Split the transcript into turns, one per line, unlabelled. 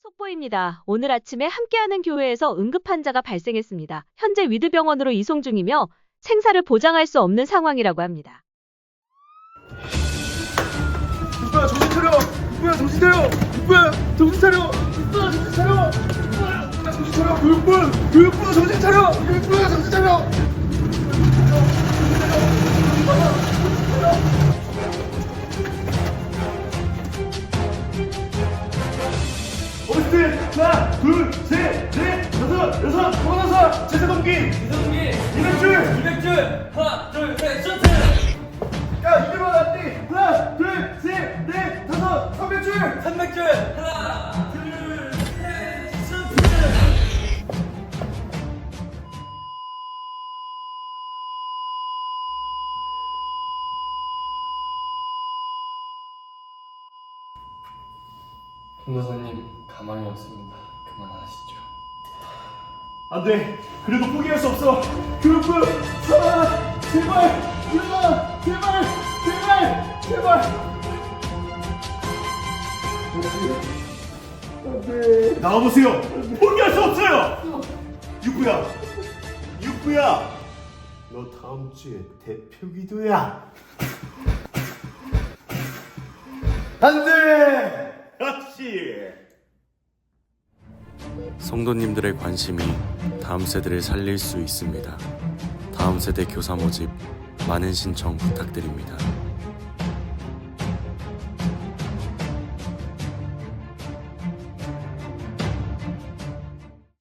속보입니다. 오늘 아침에 함께하는 교회에서 응급 환자가 발생했습니다. 현재 위드병원으로 이송 중이며 생사를 보장할 수 없는 상황이라고 합니다.
이쁘야 정신 차려! 이쁘야 정신 차려! 이쁘야 정신 차려! 이쁘야 정신 차려! 이쁘야 정신 차려! 이쁘야 정신 차려! 이쁘야 정신 차려! 어르신들 하나 둘셋넷 다섯 여섯 서른여섯 제사동기 200줄
하나, 둘, 셋, 셔틀!
야 200원 안돼 하나 둘셋넷 다섯 300줄
300줄! 하나, 둘, 셋, 셔틀!
변호사님 가만히 없습니다. 그만하시죠.
안돼 그래도 포기할 수 없어 교육부 살아 제발 일어나 제발 안돼 나와보세요 포기할 수 없어요 육부야 너 다음 주에 대표 기도야 안돼 그렇지
성도님들의 관심이 다음 세대를 살릴 수 있습니다. 다음 세대 교사 모집 많은 신청 부탁드립니다.